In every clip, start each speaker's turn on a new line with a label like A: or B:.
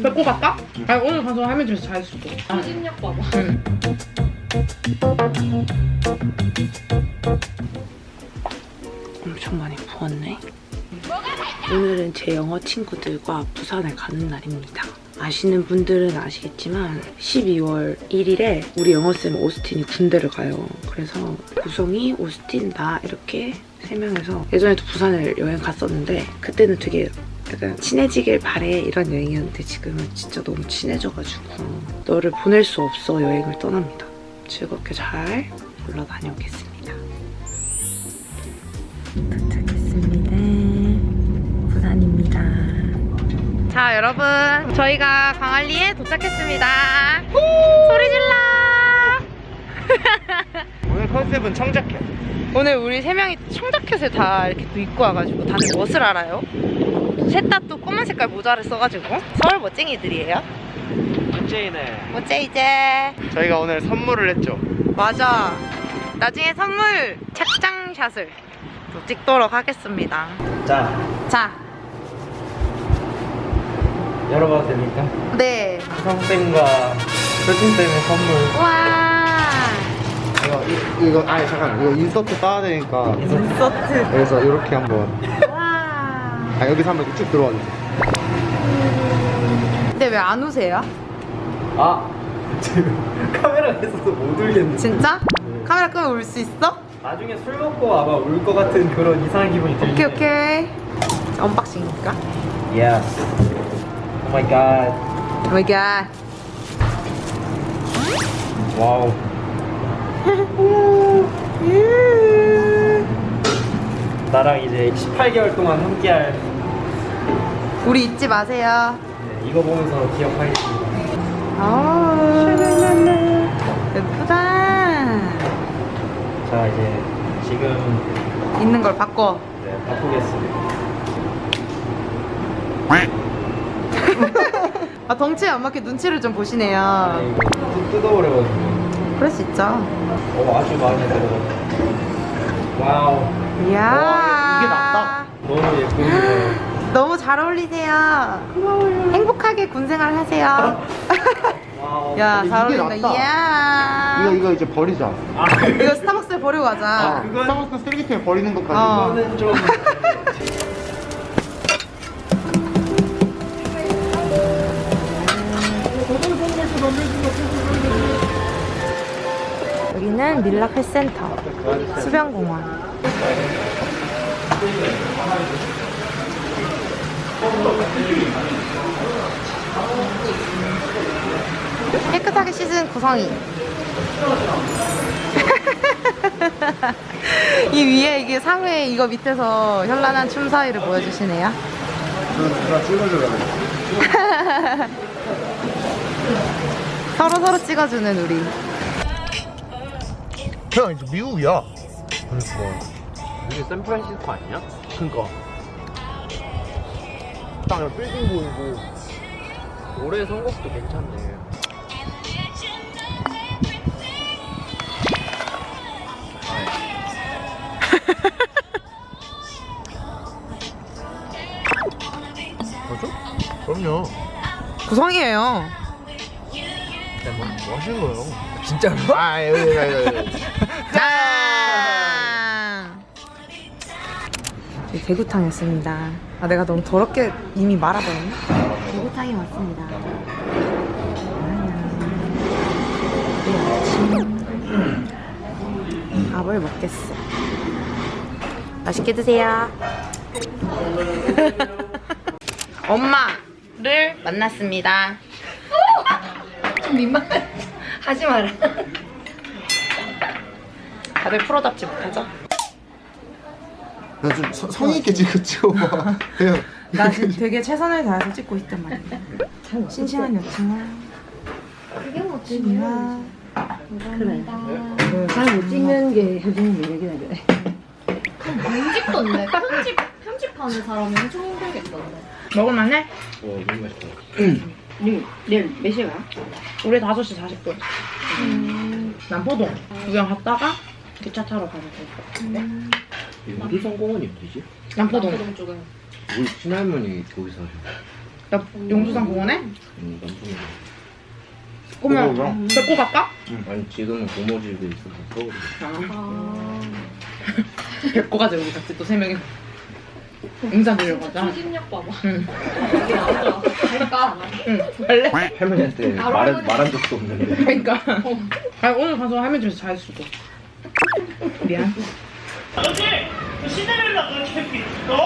A: 뵙고 갈까? 아니 오늘 가서 할머니 집에서 잘 있을게.
B: 추진력 봐봐.
A: 응. 엄청 많이 부었네. 오늘은 제 영어 친구들과 부산에 가는 날입니다. 아시는 분들은 아시겠지만 12월 1일에 우리 영어쌤 오스틴이 군대를 가요. 그래서 구성이, 오스틴, 나 이렇게 3명에서 예전에도 부산을 여행 갔었는데 그때는 되게 약간 친해지길 바래 이런 여행이었는데 지금은 진짜 너무 친해져가지고 너를 보낼 수 없어 여행을 떠납니다. 즐겁게 잘 놀러 다녀오겠습니다. 도착했습니다. 부산입니다. 자 여러분 저희가 광안리에 도착했습니다. 소리 질러.
C: 오늘 컨셉은 청자켓.
A: 오늘 우리 3명이 청자켓을 다 이렇게 또 입고 와가지고 다들 무엇을 알아요? 셋 다 또 검은 색깔 모자를 써가지고 서울 멋쟁이들이에요.
C: 멋쟁이네.
A: 멋쟁이제.
C: 저희가 오늘 선물을 했죠.
A: 맞아. 나중에 선물 착장샷을 또 찍도록 하겠습니다. 자
C: 열어봐도 됩니까?
A: 네.
C: 수성쌤과 효진쌤의 선물.
A: 와.
C: 이거 아니 잠깐 이거 인서트 따야 되니까
A: 인서트.
C: 그래서 이렇게 한번
A: 와.
C: 여기서 한번 쭉 들어와 주세요.
A: 근데 왜 안 우세요?
C: 아 지금 카메라가 있어서 못 울겠네.
A: 진짜? 카메라 끄면 울 수 있어?
C: 나중에 술 먹고 아마 울 것 같은 그런 이상한 기분이 들지.
A: 오케이 오케이. 자, 언박싱이니까.
C: Yes. Oh my god.
A: 오 마이 갓.
C: 와우. 나랑 이제 18개월 동안 함께할.
A: 우리 잊지 마세요.
C: 네, 이거 보면서 기억하겠습니다.
A: 예쁘다.
C: 자 이제 지금
A: 있는 걸 바꿔.
C: 네, 바꾸겠습니다.
A: 아 덩치에 안 맞게 눈치를 좀 보시네요.
C: 이거 뚝 뜯어버려가지고.
A: 그럴 수 있죠.
C: 아주 마음에 들어. 와우.
A: 이야.
C: 와, 이게 낫다. 너무 예쁘네요.
A: 너무 잘 어울리세요. 고마워요. 행복하게 군생활 하세요.
C: 와우.
A: 야, 잘
C: 이게
A: 어울린다.
C: 낫다.
A: 이야.
C: 이거 이제 버리자.
A: 이거 스타벅스에 버리고 가자.
C: 그건 스타벅스 쓰레기통에 버리는 것까지.
A: 어.
C: 이거는 좀.
A: 여기는 밀라 펫센터 수변공원. 깨끗하게 씻은 구성이. 이 위에 이게 상회 이거 밑에서 현란한 춤 사위를 보여주시네요.
C: 나 찍어줘야 돼.
A: 서로 찍어주는 우리.
C: 형 이제 미국이야. 그러니까.
D: 이게 샌프란시스코 아니냐?
C: 그러니까. 딱 빌딩 보이고.
D: 올해 선곡도 괜찮네.
C: 맞아? 그럼요.
A: 구성이에요.
C: 뭐 하시는 거예요?
D: 진짜로?
C: 아, 여기.
A: 짠! 대구탕이었습니다. 아, 내가 너무 더럽게 이미 말아버렸네. 대구탕이 왔습니다. 밥을 먹겠어. 맛있게 드세요. 엄마를 만났습니다.
B: 좀 민망해. 하지 마라.
A: 다들 프로답지 못하죠?
C: 나 좀 성의 있게 찍어봐. 그냥.
A: 나 지금 되게 최선을 다해서 찍고 있단 말이야. 싱싱한 여친아.
B: 그게 뭐
A: 찌미야.
B: 그래. 잘 못 찍는 게 효진이 매력이라 그래. 편집던데. 편집하는 사람이 엄청 힘들겠던데.
A: 먹을만해?
D: 너무 맛있다.
B: 내일 몇 시에 가?
A: 우리 5시 40분. 남포동 구경 갔다가 기차 타러 가면 돼.
D: 어디 성공원이 어디지?
A: 남포동.
B: 쪽은.
D: 우리 친할머니 거기서 하셔.
A: 나 용두산 공원에?
D: 남편이.
A: 그러면 데리고 갈까?
D: 아니 지금은 고모집에 있어서 서울에.
A: 데리고 가자 우리 같이 또 3명이 인사 드리려고 하자.
B: 추진력 봐봐.
A: 응.
B: 여기 나오더라. 갈까?
A: 응. 갈래?
D: 할머니한테 말한 적도 없는데.
A: 그러니까. 아니 오늘 가서 할머니 집에서 잘 수도. 미안.
E: 아버지! 그 시내를라 그렇게 삐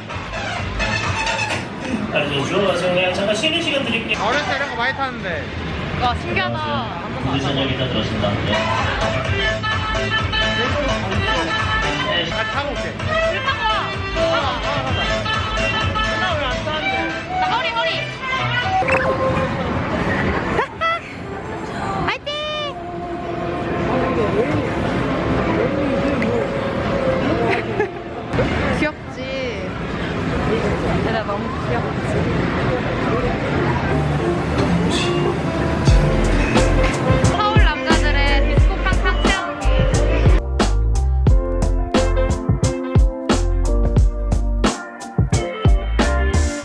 E: 알려줘. 그냥 잠깐 쉬는 시간 드릴게.
C: 어렸을 때 이런 거 많이 탔는데.
B: 와 신기하다.
E: 우리 저녁이다 들었습니다.
C: 나 타고 올게.
B: 나 허리 허리.